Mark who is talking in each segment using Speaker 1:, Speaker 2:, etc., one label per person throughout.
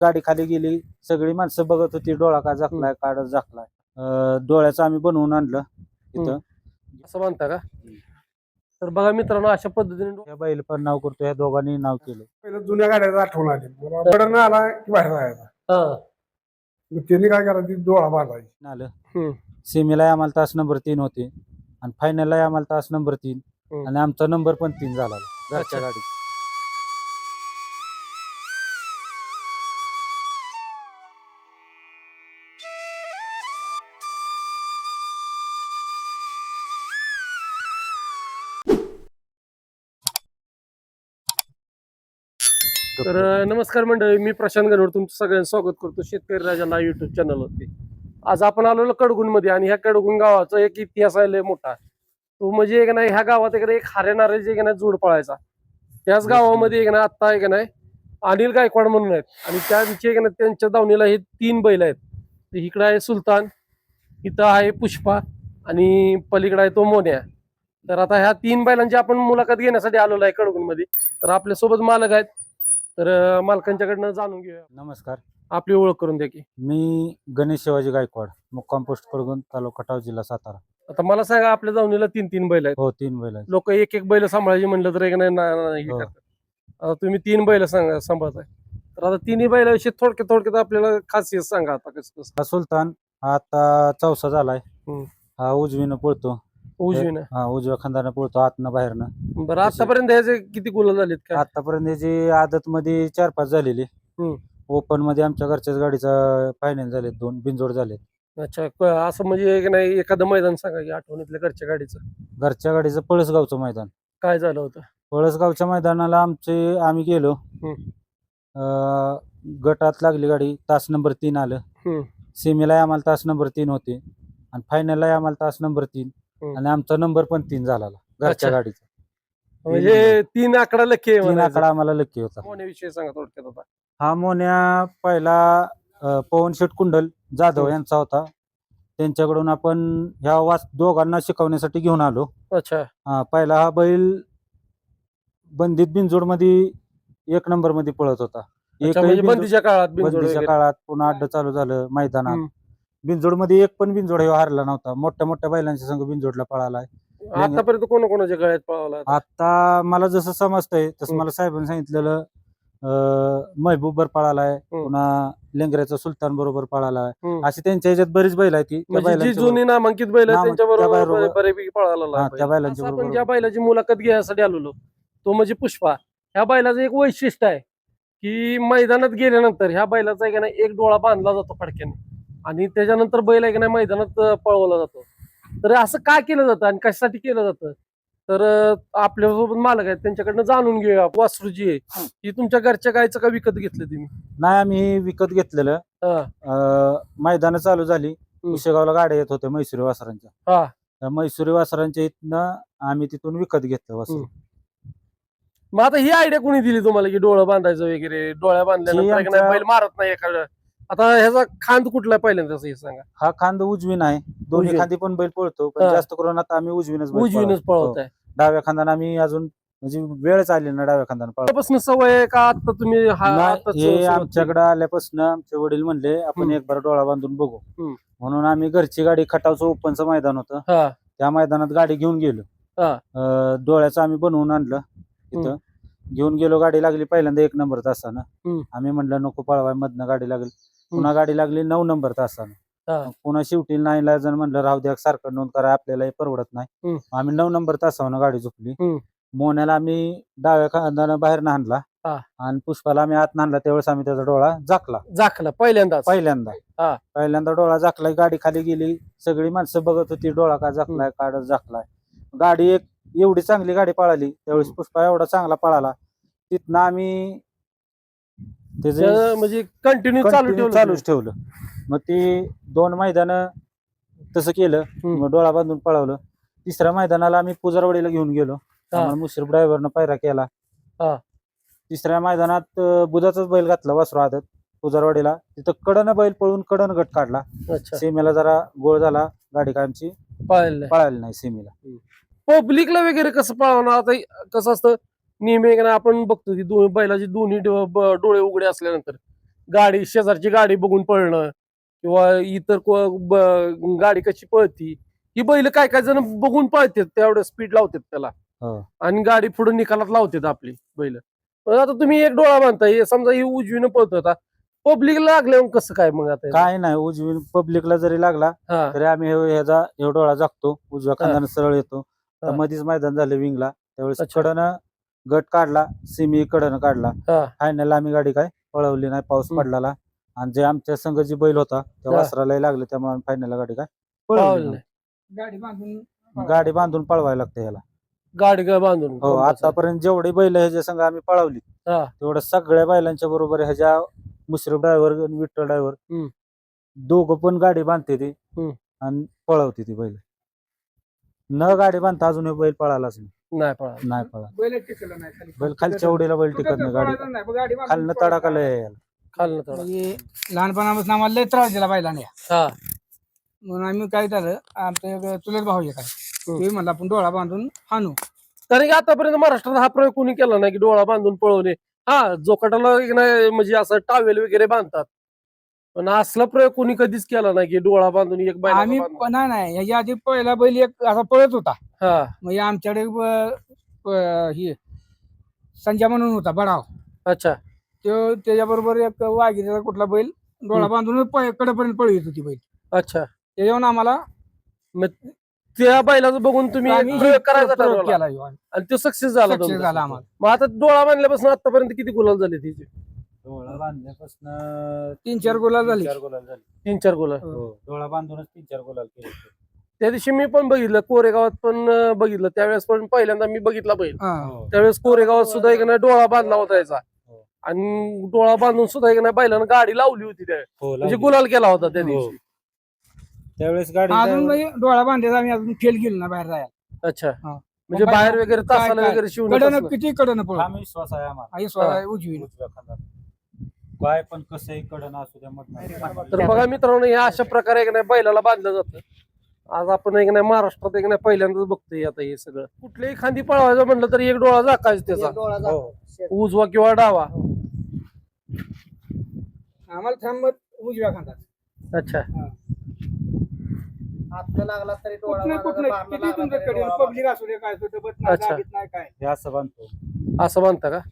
Speaker 1: गाडी खाली गेली, सगळी माणसं बघत होती डोळा का झाकलाय काढ झाकलाय. डोळ्याचं आम्ही बनवून आणलं तिथं.
Speaker 2: असं म्हणता का? तर बघा मित्रांनो, अशा पद्धतीने
Speaker 1: त्या बैल पण नाव करतो, या दोघांनी नाव केलं.
Speaker 3: पहिलं जुन्या गाड्याचं आठवण आली. बडन आला की बाहेर जायचा. मग त्यांनी काय करायचं, डोळा बांधायचा.
Speaker 1: आलं सेमीला आम्हाला तास नंबर 3 होते आणि फायनलला आम्हाला तास नंबर 3 आणि आमचा नंबर पण 3 झाला घरच्या गाडीत.
Speaker 2: तर नमस्कार मंडळी, मी प्रशांत गणवड तुमचं सगळ्यांचं स्वागत करतो शेतकरी राजाला युट्यूब चॅनलवरती. आज आपण आलेलो कडगुण मध्ये आणि ह्या कडगुण गावाचा एक इतिहास आहे लय मोठा. तो म्हणजे एक नाही, ह्या गावात एक हारे नारेचे एक नाही जोड पळायचा. त्याच गावामध्ये एक ना आता एक नाही अनिल गायकवाड म्हणून आहेत आणि त्यांचे एक ना त्यांच्या दावणीला हे 3 बैल आहेत. इकडे आहे सुलतान, इथं आहे पुष्पा आणि पलीकडे आहे तो मोन्या. तर आता ह्या 3 बैलांची आपण मुलाखत घेण्यासाठी आलेलो आहे कडगुण मध्ये. तर आपल्यासोबत मालक आहेत, तर मालकांच्याकडनं जाणून घेऊया.
Speaker 1: नमस्कार,
Speaker 2: आपली ओळख करून द्या की.
Speaker 1: मी गणेश शिवाजी गायकवाड, मुक्काम पोस्ट कडगुण, तालुका खटाव, जिल्हा सातारा.
Speaker 2: आता मला सांगा, आपल्या दावणीला 3 बैल आहेत.
Speaker 1: हो, 3 बैल आहेत.
Speaker 2: लोक एक बैल सांभाळायची म्हणलं तर एक नाही हे
Speaker 1: हो.
Speaker 2: करतात. आता तुम्ही 3 बैल सांभाळताय, तर आता 3 बैलाविषयी थोडक्यात आपल्याला खासियत सांगा. आता कसं
Speaker 1: हा सुलतान हा आता चौसा झालाय.
Speaker 2: हम्म.
Speaker 1: हा उजवीनं पळतो.
Speaker 2: उजवीनं.
Speaker 1: हा उजव्या खांदानं पळतो, आतनं बाहेरनं.
Speaker 2: बरं, आतापर्यंत ह्याचे किती गुलाल झालेत का?
Speaker 1: आतापर्यंत याची आदत मध्ये 4-5 झालेली. ओपन मध्ये आमच्या घरच्याच गाडीचा फायनल झाले, 2 बिनजोड झाले.
Speaker 2: अच्छा, असं म्हणजे एक नाही एखादं मैदान सांगा की आठवणीतल्या घरच्या गाडीचं.
Speaker 1: घरच्या गाडीचं पळसगावचं मैदान.
Speaker 2: काय झालं होतं?
Speaker 1: पळसगावच्या मैदानाला आम्ही गेलो. गटात लागली गाडी, तास नंबर 3 आलं. सेमीला आम्हाला तास नंबर 3 होते आणि फायनलला आम्हाला तास नंबर 3 आणि आमचा नंबर पण 3 झाला घरच्या
Speaker 2: अच्छा.
Speaker 1: गाडीचा.
Speaker 2: म्हणजे 3 आकडा लकी आहे
Speaker 1: 3
Speaker 2: म्हणायचं.
Speaker 1: आकडा आम्हाला लकी होता.
Speaker 2: मोन्याविषयी सांगा थोडक्यात आता.
Speaker 1: हा मोन्या पहिला पवन शेठ कुंडल जाधव यांचा होता. त्यांच्याकडून आपण ह्या दोघांना शिकवण्यासाठी घेऊन आलो.
Speaker 2: अच्छा.
Speaker 1: पहिला हा बैल बंदीत बिनजोड मध्ये 1 नंबर मध्ये पळत होता.
Speaker 2: म्हणजे बंदीच्या काळात
Speaker 1: बंदीच्या काळात पुन्हा अड्ड चालू झालं मैदानात. बिनजोड मध्ये एक पण बिनजोड हारला नव्हता. मोठ्या मोठ्या बैलांच्या संघ बिनजोडला पळालाय.
Speaker 2: आतापर्यंत कोणाच्या गळ्यात पळाला?
Speaker 1: आता मला जसं समजतंय तसं मला साहेबांनी सांगितलेलं, महबूबर पळालाय, पुन्हा लेंगऱ्याचा सुलतान बरोबर पळालाय. अशी त्यांच्या ह्याच्यात बरीच बैल आहेत की
Speaker 2: जी जुनी नामांकित बैल आहेत त्यांच्या बरोबर बऱ्यापैकी पळाला.
Speaker 1: त्या बैलांच्या
Speaker 2: आपण ज्या बैलाची मुलाखत घ्यायसाठी आलेलो तो म्हणजे पुष्पा. ह्या बैलाचं एक वैशिष्ट्य आहे की मैदानात गेल्यानंतर ह्या बैलाचा एक नाही एक डोळा बांधला जातो फडक्याने आणि त्याच्यानंतर बैल एक नाही मैदानात पळवला जातो. तर असं काय केलं जातं आणि कशासाठी केलं जातं, तर आपल्यासोबत मालक आहेत त्यांच्याकडनं जाणून घेऊया. वासरू जी आहे ही तुमच्या घरच्या गायचं का विकत घेतलं तुम्ही?
Speaker 1: नाही, आम्ही विकत घेतलेलं. मैदान चालू झाली, उशेगावला गाड्या येत होत्या मैसुरी वासरांच्या. त्या मैसुरी वासरांच्या इथनं आम्ही तिथून विकत घेतलं वासरू.
Speaker 2: मग आता ही आयडिया कोणी दिली तुम्हाला की डोळं बांधायचं वगैरे? डोळ्या बांधल्यानंतर बैल मारत नाही एखादं. आता ह्याचा खांद कुठला पहिल्यांदा हे सांगा.
Speaker 1: हा खांद उजवीन आहे. दोन्ही खांदी पण बैल पळतो, पण जास्त करून आता आम्ही उजवीनच
Speaker 2: पळवताय.
Speaker 1: डाव्या खांदाने आम्ही अजून म्हणजे वेळच आली ना डाव्या खांदाने
Speaker 2: त्यापासून सवय आहे का आता तुम्ही?
Speaker 1: हे आमच्याकडे आल्यापासून आमचे वडील म्हणले आपण एक बार डोळा बांधून बघू, म्हणून आम्ही घरची गाडी खटावचं ओपनचं मैदान होतं त्या मैदानात गाडी घेऊन गेलो. डोळ्याचं आम्ही बनवून आणलं. तिथं घेऊन गेलो, गाडी लागली पहिल्यांदा 1 नंबर तासानं. आम्ही म्हणलं नको पळवाय, मधनं गाडी लागली. पुन्हा गाडी लागली 9 नंबर तासानं. पुन्हा शेवटी 9ला जण म्हणलं राहू द्या, सारखं नोंद करा, आपल्याला परवडत नाही. आम्ही 9 नंबर तासावर गाडी झोपली. मोन्याला आम्ही डाव्या खांदानं बाहेर आणला आणि पुष्पाला आम्ही आत आणला. त्यावेळेस आम्ही त्याचा डोळा झाकला पहिल्यांदा डोळा झाकला. गाडी खाली गेली, सगळी माणसं बघत होती डोळा का झाकलाय काढ झाकलाय. गाडी एक एवढी चांगली गाडी पळाली त्यावेळेस, पुष्पा एवढा चांगला पळाला. तिथनं आम्ही
Speaker 2: म्हणजे कंटिन्यू
Speaker 1: चालूच ठेवलं. मग ते 2 मैदान तसं केलं, मग डोळा बांधून पळवलं. 3ऱ्या मैदानाला आम्ही पुजारवाडीला घेऊन गेलो. मुश्रीफ ड्रायव्हरनं पायरा केला. 3ऱ्या मैदानात बुधाचाच बैल घातला वासरू आदत पुजारवाडीला. तिथं कडनं बैल पळून कडन गट काढला. सेमीला जरा गोळ झाला, गाडी कायमची पळाली नाही सेमीला.
Speaker 2: पब्लिकला वगैरे कसं पळवणार? आता कसं असतं नेहमी आपण बघतो की बैलाचे दोन्ही डोळे उघडे असल्यानंतर गाडी शेजारची गाडी बघून पळणं किंवा इतर गाडी कशी पळती ही बैल काय काय जण बघून पळतात तेवढं स्पीड लावतात त्याला
Speaker 1: हो.
Speaker 2: आणि गाडी पुढे निकालात लावतात आपली बैल. पण आता तुम्ही एक डोळा बांधताय समजा ही उजवीनं पळतो आता पब्लिकला लागल्यावर कसं काय मग आता
Speaker 1: काय नाही उजवी पब्लिकला जरी लागला
Speaker 2: हा
Speaker 1: तरी आम्ही ह्याचा डोळा जागतो उजव्या खांद्यानं सरळ येतो. तर
Speaker 2: हा.
Speaker 1: मध्येच मैदान झालं विंगला त्यावेळेस
Speaker 2: अच्छा.
Speaker 1: कडनं गट काढला सेमी कडनं काढला
Speaker 2: हा.
Speaker 1: फायनल आम्ही गाडी काय पळवली नाही पाऊस पडला आणि जे आमच्या संघ जी बैल होता त्या
Speaker 2: हा.
Speaker 1: वासराला लागले त्यामुळे आम्ही फायनल गाडी काय
Speaker 2: पावलं
Speaker 1: पळवली
Speaker 2: नाही.
Speaker 1: नाही.
Speaker 3: गाडी
Speaker 1: गाडी बांधून पळवायला लागते ह्याला.
Speaker 2: गाडी काय बांधून
Speaker 1: हो आतापर्यंत जेवढी बैल ह्याच्या संघ आम्ही पळवली
Speaker 2: हा.
Speaker 1: तेवढं सगळ्या बैलांच्या बरोबर ह्याच्या मुश्रीफ ड्रायव्हर आणि विठ्ठल ड्रायव्हर
Speaker 2: हम्म.
Speaker 1: दोघं पण गाडी बांधते ती
Speaker 2: हम्म.
Speaker 1: आणि पळवते ती बैल. न गाडी बांधता अजून हे बैल पळालाच
Speaker 2: नाही पळा
Speaker 1: नाही पळा.
Speaker 3: बैल टिकलं नाही खाली.
Speaker 1: बैल खालच्या उडीला बैल टिकत नाही गाडी खालनं तडाखा लय आहे याला.
Speaker 2: खाल्लं थोडं
Speaker 4: म्हणजे लहानपणापासून आम्हाला लय त्रास दिला बैलाने
Speaker 2: हा
Speaker 4: म्हणून आम्ही काय झालं आमचं एक चुलत भाऊ आहे काय ते म्हणलं आपण डोळा बांधून हाणू.
Speaker 2: कारण की आतापर्यंत महाराष्ट्रात हा प्रयोग कोणी केला नाही की डोळा बांधून पळवणे. हा जोकाटाला एक नाही म्हणजे असं टावेल वगैरे बांधतात पण असला प्रयोग कोणी कधीच केला नाही की डोळा बांधून एक बैल
Speaker 4: आम्ही पण नाही ह्याच्या आधी पहिला बैल एक असा पळत होता
Speaker 2: हा
Speaker 4: म्हणजे आमच्याकडे हे संजय म्हणून होता बडाव
Speaker 2: अच्छा
Speaker 4: तो त्याच्याबरोबर एक वाघिणीचा कुठला बैल डोळा बांधून कडेपर्यंत पळवित होती बैल.
Speaker 2: अच्छा
Speaker 4: त्याच्यावर आम्हाला
Speaker 2: मग त्या बैलाचं बघून तुम्ही
Speaker 4: आम्ही
Speaker 2: एक प्रयोग करायचा
Speaker 4: प्रयोग
Speaker 2: ठरवला
Speaker 4: केला ह्यो.
Speaker 2: आणि तो सक्सेस झाला
Speaker 4: Success
Speaker 2: तुमचा.
Speaker 4: झाला आम्हाला.
Speaker 2: मग आता डोळा बांधल्यापासून आतापर्यंत किती गुलाल झाले तिचे
Speaker 1: डोळा बांधल्यापासून
Speaker 4: 3-4 गुलाल झाले.
Speaker 1: 3-4 गुलाल झाले.
Speaker 2: 3-4 गुलाल.
Speaker 1: हो, डोळा बांधूनच 3-4 गुलाल केले.
Speaker 2: त्या दिवशी मी पण बघितलं कोरेगावात पण बघितलं त्यावेळेस पण पहिल्यांदा मी बघितला बैल
Speaker 4: हा.
Speaker 1: हो.
Speaker 2: त्यावेळेस कोरेगावात सुद्धा एक नाही डोळा बांधला होता याचा
Speaker 1: हो.
Speaker 2: आणि डोळा बांधून सुद्धा एक नाही बैलानं गाडी लावली होती त्या
Speaker 1: हो,
Speaker 2: म्हणजे
Speaker 1: लावली.
Speaker 2: गुलाल केला होता त्या
Speaker 1: हो.
Speaker 2: दिवशी.
Speaker 1: त्यावेळेस गाडी
Speaker 4: अजून म्हणजे डोळा बांधायचा आम्ही अजून फेल गेलो ना बाहेर जायला.
Speaker 2: अच्छा
Speaker 4: हा.
Speaker 2: म्हणजे
Speaker 4: मग
Speaker 2: बाहेर
Speaker 4: काय-
Speaker 2: वगैरे तासाला
Speaker 4: काय-
Speaker 2: वगैरे शिवून
Speaker 4: कडनं किती कडनं पळू
Speaker 1: आम्ही विश्वास आहे आम्हाला
Speaker 4: आई स्वतः उजवी
Speaker 1: उजव्या खांद्यात. काय पण कसंही कडन असू द्या मत
Speaker 2: तर बघा मित्रांनो हे अशा प्रकारे एक नाही बैलाला बांधलं जातं. आज आपण एक नाही महाराष्ट्रात एक नाही पहिल्यांदाच बघतोय आता हे सगळं. कुठल्याही खांदी पळवायचं म्हटलं तर एक डोळा झाकायचा त्याचा उजवा किंवा डावा.
Speaker 4: आम्हाला थांबत उजव्या खांदात.
Speaker 2: अच्छा
Speaker 4: किती तुमच्याकडे पब्लिक असू दे काय दबत नाही
Speaker 2: अच्छा.
Speaker 4: दाबीत नाही काय
Speaker 1: हे असं बांधतो.
Speaker 2: असं बांधता का.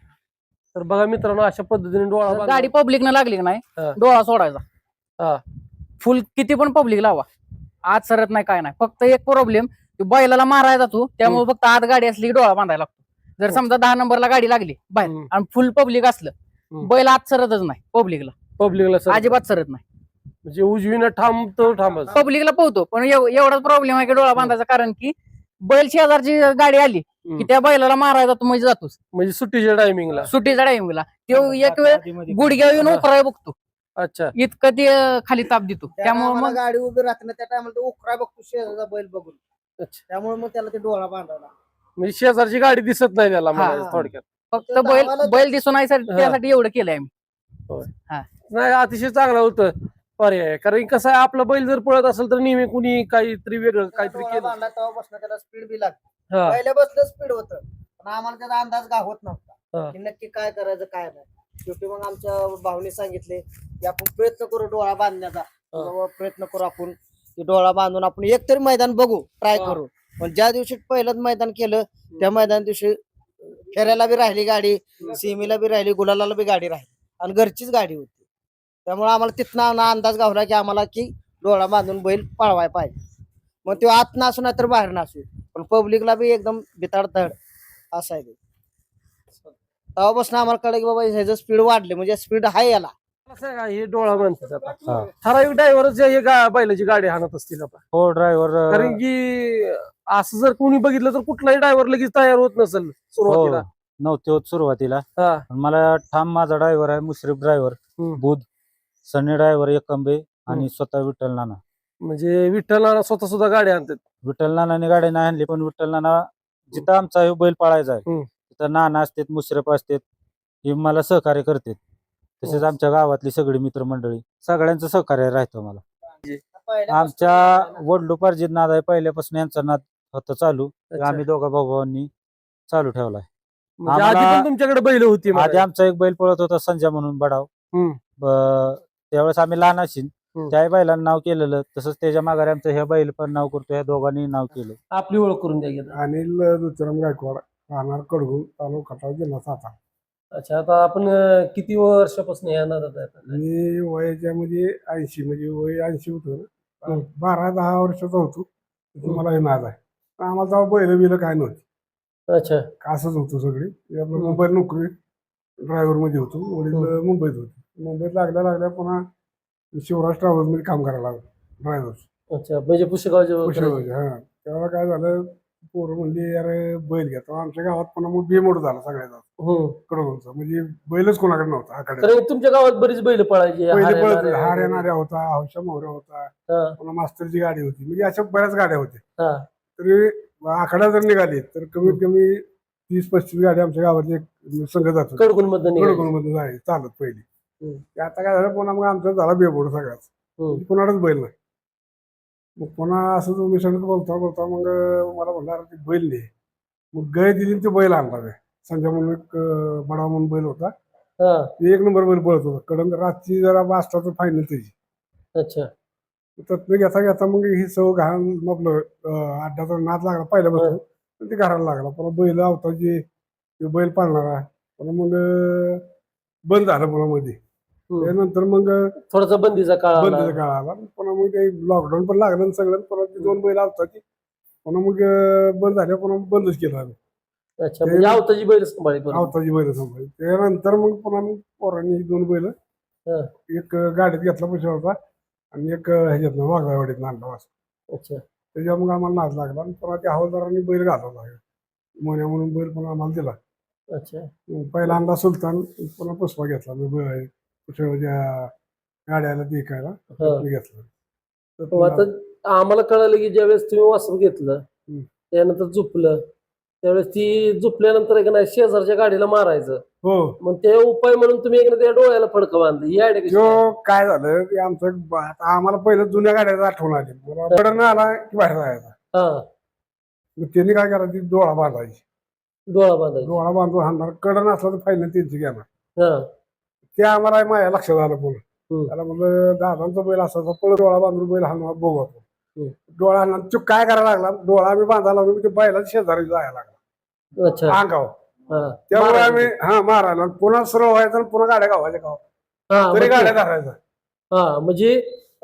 Speaker 2: तर बघा मित्रांनो अशा पद्धतीने डोळा बांधला.
Speaker 5: गाडी पब्लिक न लागली का नाही
Speaker 2: हा.
Speaker 5: डोळा सोडायचा.
Speaker 2: हा.
Speaker 5: फुल किती पण पब्लिक लावा आत सरत नाही काय नाही. फक्त एक प्रॉब्लेम बैलाला मारायचा तू त्यामुळे फक्त आत गाडी असली की डोळा बांधायला लागतो. जर समजा 10 नंबरला गाडी लागली बाहेर
Speaker 2: हम्म.
Speaker 5: आणि फुल पब्लिक असलं बैल आत सरतच नाही पब्लिकला
Speaker 2: पब्लिकला सर-
Speaker 5: अजिबात सरत नाही.
Speaker 2: म्हणजे उजवीनं थांबतो थांबच.
Speaker 5: पब्लिकला पोहतो पण एवढाच प्रॉब्लेम आहे की डोळा बांधायचा कारण की बैल शेजारची गाडी आली की त्या बैलाला मारायचा तू म्हणजे जातोस
Speaker 2: म्हणजे सुट्टीच्या टायमिंगला.
Speaker 5: सुट्टीचा टाइमला तो एक वेळ गुडघ्या येऊन उकराय बघतो
Speaker 2: अच्छा
Speaker 5: इतकं ते खाली ताप देतो त्यामुळे मग
Speaker 6: गाडी उभी राहते ना त्या टायमाला तो उकरा बघतो शेजारचा बैल बघून
Speaker 2: अच्छा.
Speaker 6: त्यामुळे मग त्याला ते डोळा बांधायला
Speaker 2: म्हणजे शेजारची गाडी दिसत नाही त्याला म्हणायचं
Speaker 6: हा.
Speaker 2: थोडक्यात.
Speaker 5: फक्त बैल दिसून नाही त्यासाठी एवढं केलंय आम्ही.
Speaker 2: नाही अतिशय चांगलं होतं पर्याय. कारण कसं आहे आपला बैल जर पळत असेल तर नेहमी कुणी काहीतरी वेगळं काहीतरी
Speaker 6: डोळा
Speaker 2: केलं.
Speaker 6: बांधला तेव्हापासून त्याला स्पीड बी लागते
Speaker 2: हा.
Speaker 6: पहिल्यापासून स्पीड होतं पण आम्हाला त्याचा अंदाज गावत
Speaker 2: हा.
Speaker 6: नव्हता की नक्की काय करायचं काय नाही. शेवटी मग आमच्या भाऊने सांगितले की आपण प्रयत्न करू डोळा बांधण्याचा. बाबा प्रयत्न करू आपण की डोळा बांधून आपण एकतरी मैदान बघू ट्राय
Speaker 2: हा.
Speaker 6: करू. पण ज्या दिवशी पहिलंच मैदान केलं त्या मैदान दिवशी फेऱ्याला बी राहिली गाडी सीमेला बी राहिली गुलालाला बी गाडी राहिली आणि घरचीच गाडी होती. त्यामुळे आम्हाला तिथनं अंदाज गावला की आम्हाला की डोळा बांधून बैल पळवाय पाहिजे. मग तो आत नासू नाही तर बाहेर नासू पण पब्लिकला बी एकदम बिताड धड असं आहे. तेव्हापासून आम्हाला कळलं की बाबा ह्याचं स्पीड वाढले म्हणजे स्पीड आहे याला.
Speaker 2: कसं आहे का हे डोळा म्हणतात आता.
Speaker 1: हा.
Speaker 2: ठराविक ड्रायव्हरच हे बैलाची गाडी हाणत असतील आता.
Speaker 1: हो ड्रायव्हर
Speaker 2: कारण की असं जर कोणी बघितलं तर कुठलाही ड्रायव्हर लगेच तयार होत नसेल सुरुवातीला.
Speaker 1: नव्हते होत सुरुवातीला.
Speaker 2: हा.
Speaker 1: पण मला ठाम माझा ड्रायव्हर आहे मुश्रीफ ड्रायव्हर
Speaker 2: हम्म.
Speaker 1: बुध सनी ड्रायव्हर एकंबे आणि स्वतः विठ्ठल नाना.
Speaker 2: म्हणजे विठ्ठल नाना स्वतः सुद्धा गाडी आणतात.
Speaker 1: विठ्ठल नानाने गाडी नाही आणली पण विठ्ठल नाना जिथं आमचा हे बैल पळायचा आहे
Speaker 2: हम्म.
Speaker 1: तिथं नाना असतात मुश्रीफ असतात हे मला सहकार्य करतात. तसेच
Speaker 2: हो.
Speaker 1: आमच्या गावातली सगळी मित्रमंडळी सगळ्यांचं सहकार्य राहतं मला.
Speaker 6: पहिल्यापासून
Speaker 1: आमच्या वडलोपार्जित नाद आहे पहिल्यापासून यांचा नाद होता चालू.
Speaker 2: अच्छा.
Speaker 1: आम्ही दोघा भावांनी चालू ठेवलाय.
Speaker 2: म्हणजे आधी
Speaker 1: आम्हाला-
Speaker 2: पण तुमच्याकडे बैल होती
Speaker 1: आधी
Speaker 2: म्हणायचं.
Speaker 1: आमचा एक बैल पळत होता संजय म्हणून बडाव.
Speaker 2: हम्म.
Speaker 1: त्यावेळेस आम्ही लहान असेल
Speaker 2: हम्म.
Speaker 1: त्याही बैलांना नाव केलेलं, तसंच त्याच्या माघारी आमचं हे बैल पण नाव करतो, ह्या दोघांनी नाव केलं.
Speaker 2: आपली ओळख करून द्या गेलं.
Speaker 3: अनिल दुचराम गायकवाड, राहणार कडगुण, तालुका खटाव, जिल्हा सातारा.
Speaker 2: अच्छा, आता आपण किती वर्षापासून या नादात आहे आता?
Speaker 3: मी वयाच्या म्हणजे 80 म्हणजे वय 80 होतं ना. 12-10 वर्षाचा होतो मला हे नाद आहे. आम्हाला तेव्हा बैल बिलं काय नव्हती,
Speaker 2: अच्छा.
Speaker 3: असंच होतं सगळी. आपलं मुंबईत नोकरी ड्रायव्हर मध्ये होतो, वडील मुंबईत होते. मुंबईत लागल्या पुन्हा शिवराज ट्रॅव्हल्स मध्ये काम करायला लागलो ड्रायव्हर.
Speaker 2: अच्छा, म्हणजे पुष्कळचे
Speaker 3: हा. तेव्हा काय झालं, पोरं म्हणजे अरे बैल घ्या. तेव्हा आमच्या गावात पुन्हा मग बेमोड झाला सगळ्याचा कडगुणचा, म्हणजे बैलच कोणाकडे नव्हता आकडे.
Speaker 2: कारण तुमच्या गावात बरीच बैल पळायची.
Speaker 3: पहिले पळत हार येणाऱ्या होता, हौशा मोहऱ्या होता, पुन्हा मास्तरची गाडी होती, म्हणजे अशा बऱ्याच गाड्या होत्या. तरी आकडा जर निघाली तर कमीत कमी 30-35 गाड्या आमच्या गावातले संघ जात होते.
Speaker 2: कडगुण
Speaker 3: कडगुणमध्ये जायची चालत पहिली. ते आता काय झालं, पुन्हा मग आमचा झाला बेबोड सगळ्याच, कोणालाच बैल नाही. मग पुन्हा असं तुम्ही सगळं बोलता मग मला म्हणणार ते बैल नाही. मग गाय दिली ते बैल आणला मी. संजय म्हणून एक बडा म्हणून बैल होता, एक नंबर बैल पळत होता. कडन रातची जरा बास्टाचं फायनल त्याची.
Speaker 2: अच्छा.
Speaker 3: त्यातनं घेता मग ही सव घाण आपलं अड्ड्याचा नाद लागला पहिल्यापासून, ते घराला लागला. पुन्हा बैल आवताची बैल पाळणारा, पुन्हा मग बंद झालं पुन्हा मध्ये. त्यानंतर मग
Speaker 2: थोडासा बंदीचा काळ
Speaker 3: आला. पुन्हा मग ते लॉकडाऊन पण लागलं सगळं. पुन्हा ती 2 बैल आवताची, पुन्हा मग बंद झाल्या, पुन्हा बंदच केलं आम्ही.
Speaker 2: अच्छा, म्हणजे आवताची बैल सांभाळी.
Speaker 3: आवताची बैल सांभाळली. त्यानंतर मग पुन्हा मग पोरांनी 2 बैल, एक गाडीत घेतला पैसा होता आणि एक ह्याच्यातनं वाघावाडीत आणला वाजता.
Speaker 2: अच्छा.
Speaker 3: त्याच्या मग आम्हाला नाद लागला आणि पुन्हा त्या हवालदारांनी बैल घालवला, मोन्या म्हणून बैल पण आम्हाला दिला.
Speaker 2: अच्छा.
Speaker 3: पहिला आणला सुलतान, पुन्हा पुष्पा घेतला. मी पुष्पाच्या गाड्याला विकायला घेतला.
Speaker 2: आता आम्हाला कळालं की ज्यावेळेस तुम्ही वासरू घेतलं त्यानंतर झोपलं, त्यावेळेस ती झोपल्यानंतर एक नाही शेजारच्या गाडीला मारायचं.
Speaker 3: हो.
Speaker 2: मग ते उपाय म्हणून तुम्ही एक त्या डोळ्याला फडकं बांधलं. ही आयडिया कशी काय?
Speaker 3: काय झालं की आमचं आता आम्हाला पहिलं जुन्या गाड्याचा आठवण आली. कडन आला की बाहेर जायचा. मग त्यांनी काय करायची, डोळा बांधायची. डोळा बांधून हाणणार. कडन असला तर फायनल त्यांची घेणार. ते आम्हाला माझ्या लक्षात आलं पुन्हा. त्याला म्हणलं दादांचा बैल असायचा, पळ डोळा बांधून बैल हाणणार बघू आपण. डोळा हाणणार. तो काय करायला लागला, डोळा आम्ही बांधायला लागलो, ते बैलाच्या शेजारी जायला लागला अंगावर. त्यामुळे आम्ही मारायला पुन्हा सरळ व्हायचं आणि पुन्हा गाड्या गावाच्या तरी गाड्या धरायचा.
Speaker 2: म्हणजे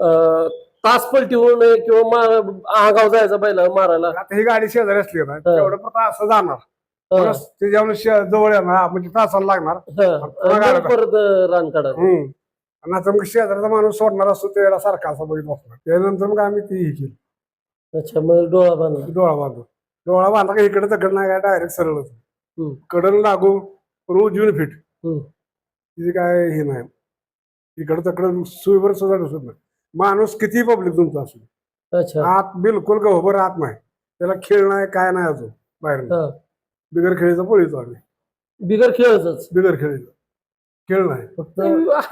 Speaker 2: तास पलटीवून किंवा आगाव जायचा बैला मारायला.
Speaker 3: आता ही गाडी शेजारी असली ना तेवढं फक्त असं जाणार, त्याच्यावर जवळ येणार, म्हणजे तासाला लागणार
Speaker 2: परत रान काढा.
Speaker 3: आणि आता मग शेजारचा माणूस सोडणार असतो त्याला सारखा असा बघित बसणार. त्यानंतर मग आम्ही ती ही केली.
Speaker 2: अच्छा, मग डोळा बांधला.
Speaker 3: डोळा बांधला का इकडे तकड नाही, काय डायरेक्ट सरळ कडन लागू पण उजवीन फिट. तिथे काय हे नाही, इकडे तकड सुईवर सुद्धा दिसत नाही. माणूस किती पब्लिक तुमचा असू,
Speaker 2: अच्छा,
Speaker 3: आत बिलकुल गहोबर आत नाही, त्याला खेळ नाही काय नाही अजून बाहेर. बिगर खेळीचा पळीतो आम्ही.
Speaker 2: बिगर खेळच.
Speaker 3: बिगर खेळीचा खेळ नाही, फक्त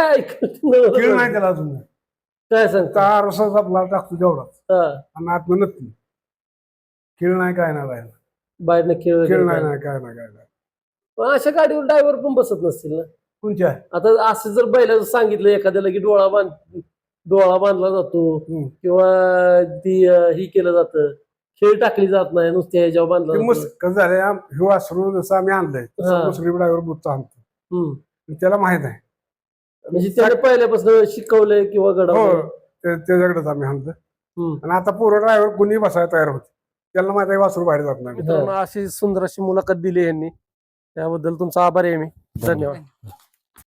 Speaker 3: खेळ नाही त्याला अजून.
Speaker 2: काय सांगता,
Speaker 3: रसाच आपला टाकतो तेवढाच आणि आतनं नक्की खेळ नाही काय नाही बाहेर.
Speaker 2: बाहेरनं खेळ
Speaker 3: खेळ नाही काय नाही.
Speaker 2: अशा गाडीवर ड्रायव्हर पण बसत नसतील ना
Speaker 3: कोणत्या.
Speaker 2: आता असं जर बैलाचं सांगितलं एखाद्याला की डोळा बांधला जातो किंवा ती ही केलं जातं, खेळ टाकली जात नाही, नुसत्या ह्याच्यावर बांधला.
Speaker 3: कसं झालंय, हे वासरू जसं आम्ही आणलंय मुसरी ड्रायव्हर बुथचा आणतो, त्याला माहित आहे.
Speaker 2: म्हणजे त्याने पहिल्यापासून शिकवलंय किंवा
Speaker 3: त्याच्याकडेच आम्ही आणलं. आणि आता पूर्ण ड्रायव्हर कुणी बसायला तयार होते, त्याला माहित आहे वासरू बाहेर जात नाही.
Speaker 2: अशी सुंदर अशी मुलाखत दिली यांनी, त्याबद्दल तुमचा आभारी आहे मी. धन्यवाद.